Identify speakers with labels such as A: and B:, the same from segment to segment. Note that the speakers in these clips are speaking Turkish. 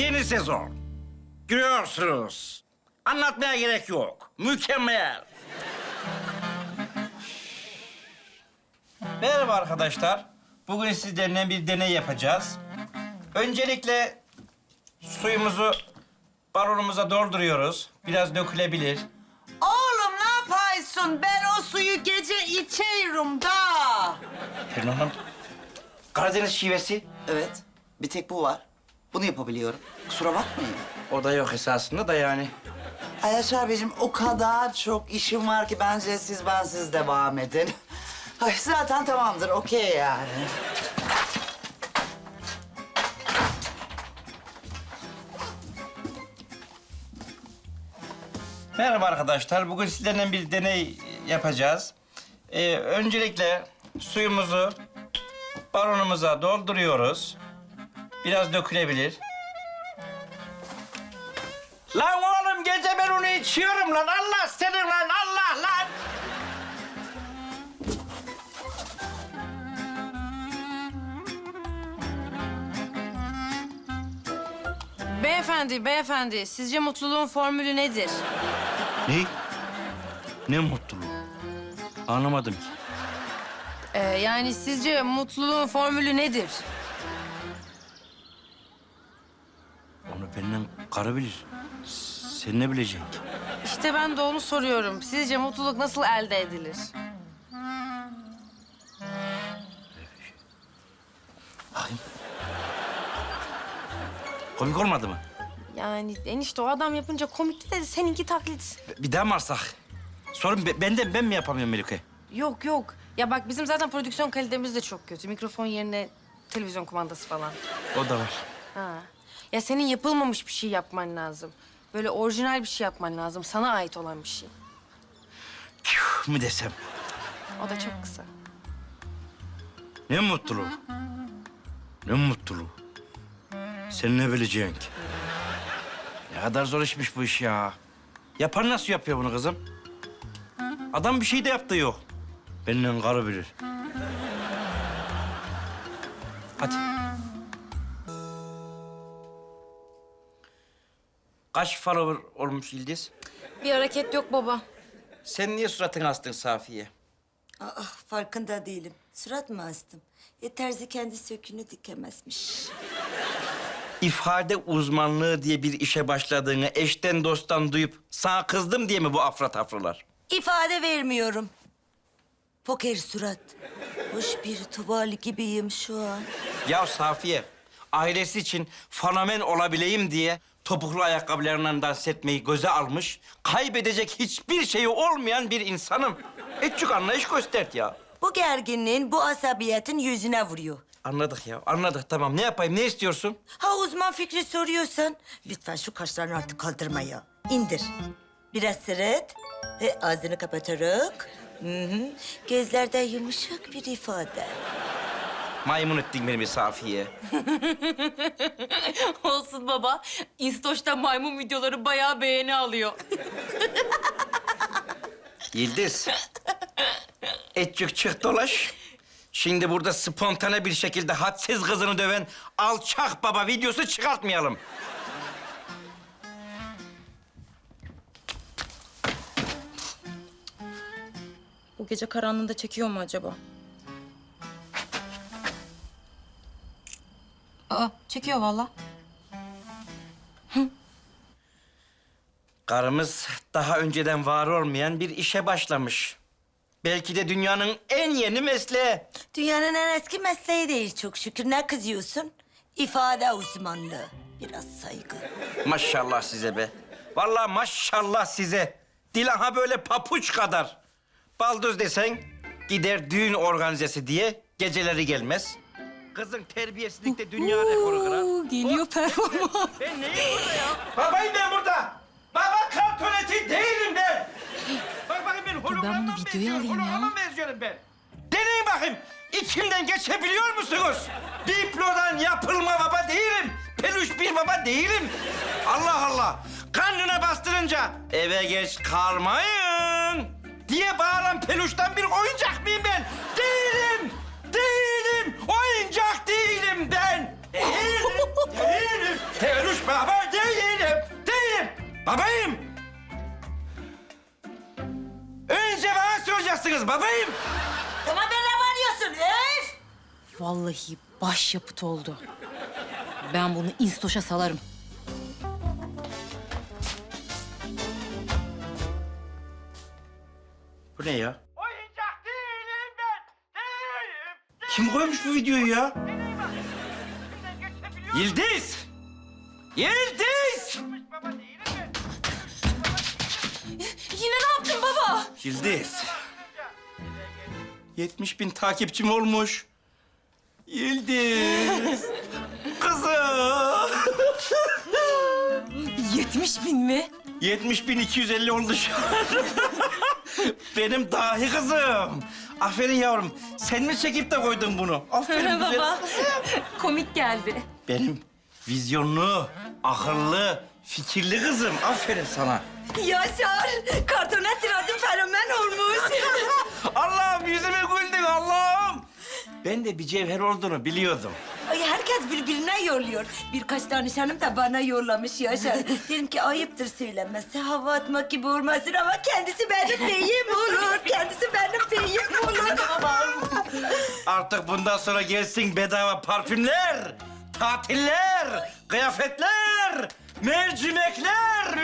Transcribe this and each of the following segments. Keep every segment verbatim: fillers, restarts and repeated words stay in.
A: yeni sezon. Görüyorsunuz. Anlatmaya gerek yok. Mükemmel. Merhaba arkadaşlar. Bugün sizlerle bir deney yapacağız. Öncelikle suyumuzu balonumuza dolduruyoruz. Biraz dökülebilir.
B: Oğlum ne yapıyorsun? Ben o suyu gece içiyorum da.
A: Pelin Hanım, Karadeniz şivesi.
B: Evet, bir tek bu var. Bunu yapabiliyorum. Kusura bakmayın.
A: O da yok esasında da yani.
B: Ayaş abicim o kadar çok işim var ki bence siz bensiz devam edin. Ay zaten tamamdır, okey yani.
A: Merhaba arkadaşlar. Bugün sizlerle bir deney yapacağız. Ee, öncelikle suyumuzu balonumuza dolduruyoruz. Biraz dökülebilir. Lan oğlum gece ben onu içiyorum lan. Allah senin lan Allah lan.
C: Beyefendi, beyefendi, sizce mutluluğun formülü nedir?
A: Ne? Ne mutluluğu? Anlamadım ki.
C: Ee, yani sizce mutluluğun formülü nedir?
A: Onu benden karı bilir. Sen ne bileceksin ki?
C: İşte ben de onu soruyorum. Sizce mutluluk nasıl elde edilir?
A: Bakayım. Komik olmadı mı?
C: Yani enişte o adam yapınca komikti de seninki taklit.
A: Bir daha mı alsak? Sorun be- benden, ben mi yapamıyorum Melike?
C: Yok yok. Ya bak bizim zaten prodüksiyon kalitemiz de çok kötü. Mikrofon yerine televizyon kumandası falan.
A: O da var.
C: Ha. Ya senin yapılmamış bir şey yapman lazım. Böyle orijinal bir şey yapman lazım. Sana ait olan bir şey.
A: Tüh mü desem?
C: O da çok kısa.
A: Ne mutluluğu? Ne mutluluğu? Sen ne bileceksin ki? Ne kadar zor işmiş bu iş ya. Yapan nasıl yapıyor bunu kızım? Adam bir şey de yaptığı yok. Benden karı bilir. Hadi. Kaç follower olmuş Yıldız?
C: Bir hareket yok baba.
A: Sen niye suratını astın Safiye?
D: Aa, farkında değilim. Surat mı astım? E terzi kendi sökünü dikemezmiş.
A: İfade uzmanlığı diye bir işe başladığını eşten dosttan duyup sana kızdım diye mi bu afra tafralar?
D: İfade vermiyorum. Poker surat. Hoş bir tuval gibiyim şu an.
A: Ya Safiye, ailesi için fenomen olabileyim diye topuklu ayakkabılarından dans etmeyi göze almış, kaybedecek hiçbir şeyi olmayan bir insanım. Etçük anlayış göstert ya.
D: Bu gerginliğin, bu asabiyetin yüzüne vuruyor.
A: Anladık ya, anladık. Tamam, ne yapayım, ne istiyorsun?
D: Ha uzman fikri soruyorsan, lütfen şu kaşlarını artık kaldırma ya. İndir. Biraz sırıt. Ve ağzını kapatarak. Hı hı. Gözlerde yumuşak bir ifade.
A: Maymun ettin beni bir Safiye.
C: Olsun baba. İnstoş'ta maymun videoları bayağı beğeni alıyor.
A: Yıldız, etçük çık dolaş. Şimdi burada spontane bir şekilde hadsiz kızını döven alçak baba videosu çıkartmayalım.
E: Bu gece karanlığında çekiyor mu acaba? Aa, çekiyor vallahi.
A: Karımız daha önceden var olmayan bir işe başlamış. Belki de dünyanın en yeni mesleği.
D: Dünyanın en eski mesleği değil çok şükür. Ne kızıyorsun? İfade uzmanlığı. Biraz saygı.
A: Maşallah size be. Vallahi maşallah size. Dil aha böyle papuç kadar. Baldız desen gider düğün organizesi diye geceleri gelmez. Kızın terbiyesizlikte dünya rekoru kırar.
E: Geliyor performans.
A: Ben neyim burada ya? Babayım ben burada. Baba kartoneti değilim ben. Bak bakayım ben hologramdan
E: bunu videoya alayım ya.
A: holograma benziyorum ben. Deneyin bakayım. İçimden geçebiliyor musunuz? Diplodan yapılma baba değilim. Peluş bir baba değilim. Allah Allah. Karnına bastırınca eve geç kalmayın diye bağıran peluştan bir oyuncak mıyım ben? Değilim. Değilim. Oyuncak değilim ben. Değilim. Değilim. Peluş baba değilim. Değilim. Babayım. Önce bana soracaksınız babayım.
D: Tamam be ne varıyorsun öf?
E: Vallahi başyapıt oldu. Ben bunu instoşa salarım.
A: Bu ne ya? Oyuncak değilim ben. Değilim. Kim koymuş bu videoyu ya? Yıldız. Yıldız.
E: Yine ne yaptın baba?
A: Yıldız. yetmiş bin takipçim olmuş. Yıldız. Kızım.
E: Yetmiş bin mi?
A: yetmiş bin iki yüz elli oldu şu an. Benim dahi kızım. Aferin yavrum. Sen mi çekip de koydun bunu? Aferin güzel.
E: Baba. Komik geldi.
A: Benim vizyonlu, akıllı, fikirli kızım. Aferin sana.
D: Yaşar, kartona tiradın fenomen olmuş.
A: Allah'ım yüzüme güldün Allah'ım. Ben de bir cevher olduğunu biliyordum.
D: Ay herkes birbirine yolluyor. Birkaç danışanım da bana yollamış Yaşar. Dedim ki ayıptır söylemesi, hava atmak gibi olmasın ama kendisi benim beyim olur. Kendisi benim beyim olur.
A: Artık bundan sonra gelsin bedava parfümler, tatiller, kıyafetler, mercimekler.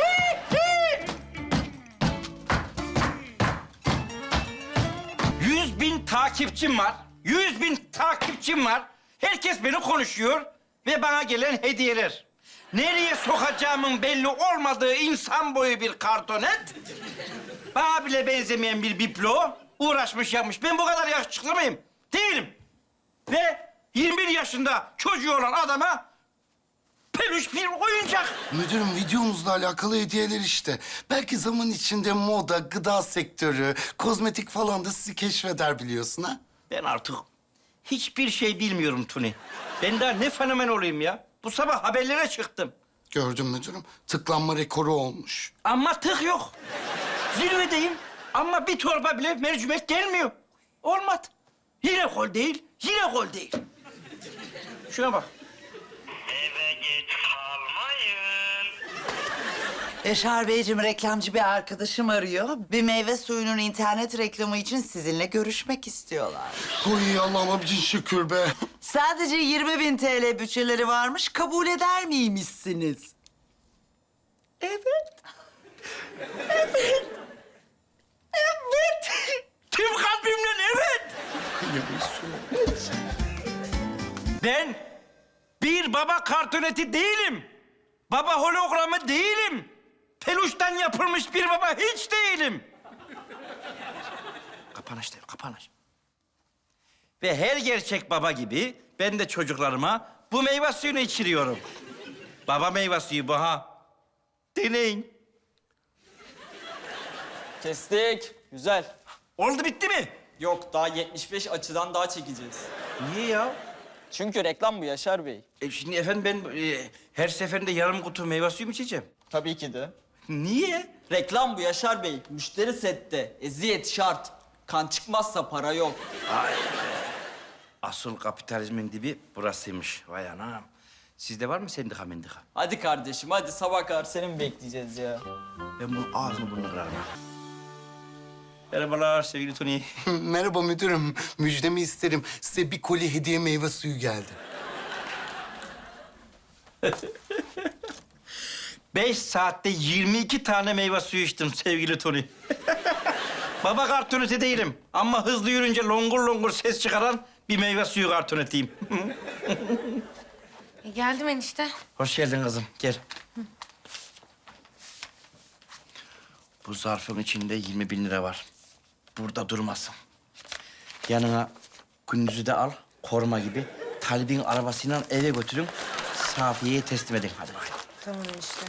A: Yüz bin takipçim var. Yüz bin takipçim var. Herkes beni konuşuyor ve bana gelen hediyeler. Nereye sokacağımın belli olmadığı insan boyu bir kartonet. Bana bile benzemeyen bir biblo. Uğraşmış yapmış. Ben bu kadar yakışıklı mıyım? Değilim. Ve yirmi bir yaşında çocuğu olan adama peluş bir oyuncak.
F: Müdürüm videomuzla alakalı hediyeler işte. Belki zaman içinde moda, gıda sektörü, kozmetik falan da sizi keşfeder biliyorsun ha?
A: Ben artık hiçbir şey bilmiyorum Tuni. Ben daha ne fenomen olayım ya? Bu sabah haberlere çıktım.
F: Gördüm müdürüm. Tıklanma rekoru olmuş.
A: Ama tık yok. Zirvedeyim ama bir torba bile mercimek gelmiyor. Olmadı. Yine gol değil, yine gol değil. Şuna bak.
G: Eve geç kalmayın.
B: Yaşar Beyciğim, reklamcı bir arkadaşım arıyor. Bir meyve suyunun internet reklamı için sizinle görüşmek istiyorlar.
F: Oy Allah'ıma bin şükür be.
B: Sadece yirmi bin T L bütçeleri varmış. Kabul eder miymişsiniz? Evet.
A: Evet. Evet. Tüm kalbimle evet. Ben bir baba kartoneti değilim. Baba hologramı değilim. Peluştan yapılmış bir baba hiç değilim. Kapanış değil, kapanış. Ve her gerçek baba gibi ben de çocuklarıma bu meyve suyunu içiriyorum. Baba meyve suyu bu ha. Deneyin.
H: Kestik. Güzel.
A: Oldu bitti mi?
H: Yok daha yetmiş beş açıdan daha çekeceğiz.
A: Niye ya?
H: Çünkü reklam bu Yaşar Bey.
A: E şimdi efendim ben e, her seferinde yarım kutu meyve suyu mu içeceğim?
H: Tabii ki de.
A: Niye?
H: Reklam bu Yaşar Bey. Müşteri sette. Eziyet şart. Kan çıkmazsa para yok.
A: Asıl kapitalizmin dibi burasıymış. Vay anam. Sizde var mı sendika mendika?
H: Hadi kardeşim hadi sabah kadar seni mi bekleyeceğiz ya?
A: Ben bunun ağzını burnunu kırarım. Merhabalar sevgili Tony.
F: Merhaba müdürüm. Müjdemi isterim. Size bir koli hediye meyve suyu geldi.
A: Beş saatte yirmi iki tane meyve suyu içtim sevgili Tony. Baba kartoneti değilim ama hızlı yürünce longur longur ses çıkaran bir meyve suyu kartonetiyim.
C: E, geldim enişte.
A: Hoş geldin kızım, gel. Bu zarfın içinde yirmi bin lira var. Burada durmasın. Yanına Gündüz'ü de al, koruma gibi. Talib'in arabasıyla eve götürün. Safiye'ye teslim edin. Hadi bakalım.
C: Tamam enişte.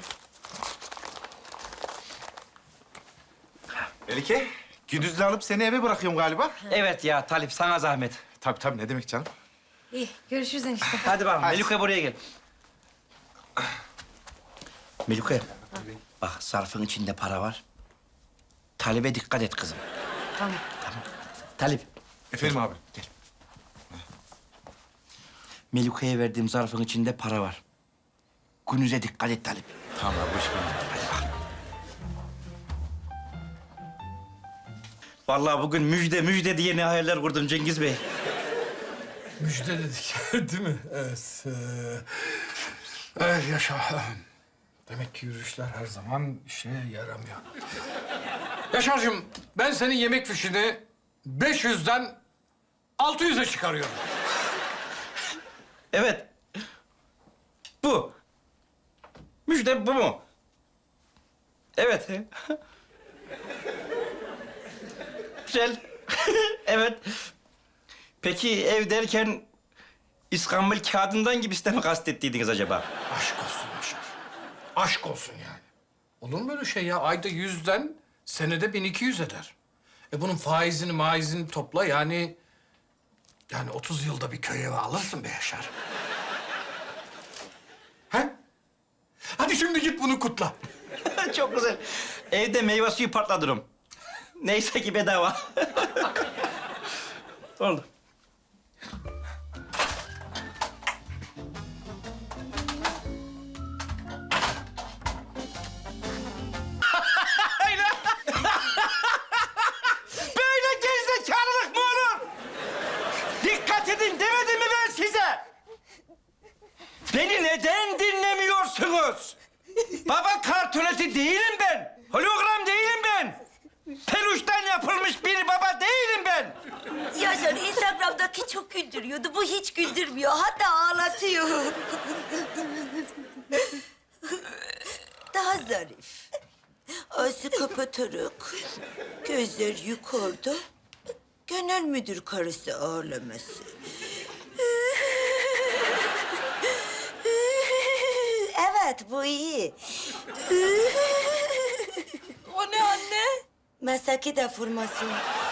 I: Melike, Gündüz'le alıp seni eve bırakıyorum galiba.
A: Evet ya Talip, sana zahmet.
I: Tabii tabii, ne demek canım?
C: İyi, görüşürüz enişte.
A: Hadi bakalım, Melike buraya gel. Melike, bak zarfın içinde para var. Talip'e dikkat et kızım.
C: Tamam.
A: Tamam. Talip,
I: Efendim abi, gel.
A: Melike'ye verdiğim zarfın içinde para var. Günüze dikkat et Talip.
I: Tamam abi, hoş geldin.
A: Hadi bakalım. Vallahi bugün müjde müjde diye ne hayaller kurdum Cengiz Bey.
J: Müjde dedik, değil mi? Evet. Ee, evet, yaşa. Demek ki yürüyüşler her zaman işe yaramıyor. Yaşar'cığım, ben senin yemek fişini beş yüzden altı yüze çıkarıyorum.
A: Evet. Bu. Müjde bu mu? Evet. Güzel. Evet. Peki ev derken İskambil kağıdından gibisi mi kastettiydiniz acaba?
J: Aşk olsun Yaşar. Aşk olsun yani. Olur mu öyle şey ya? Ayda yüzden senede bin iki yüz eder. E bunun faizini maizini topla yani... Yani otuz yılda bir köy evi alırsın be Yaşar. He? Hadi şimdi git bunu kutla.
A: Çok güzel. Evde meyve suyu patlatırım. Neyse ki bedava. Oldu. Böyle gerizekalılık mı olur? Dikkat edin demedim mi ben size? Beni neden dinlemiyorsunuz? Baba kartoneti değilim ben. Hologram değilim ben. Peluştan yapılmış bir baba değilim ben.
D: Yaşar Instagram'daki çok güldürüyordu. Bu hiç güldürmüyor. Hatta ağlatıyor. Daha zarif. Ağzı kapatarak, gözler yukarıda. Genel müdür karısı ağlaması. Evet, bu iyi.
E: O ne anne?
D: Masaki deformasyon.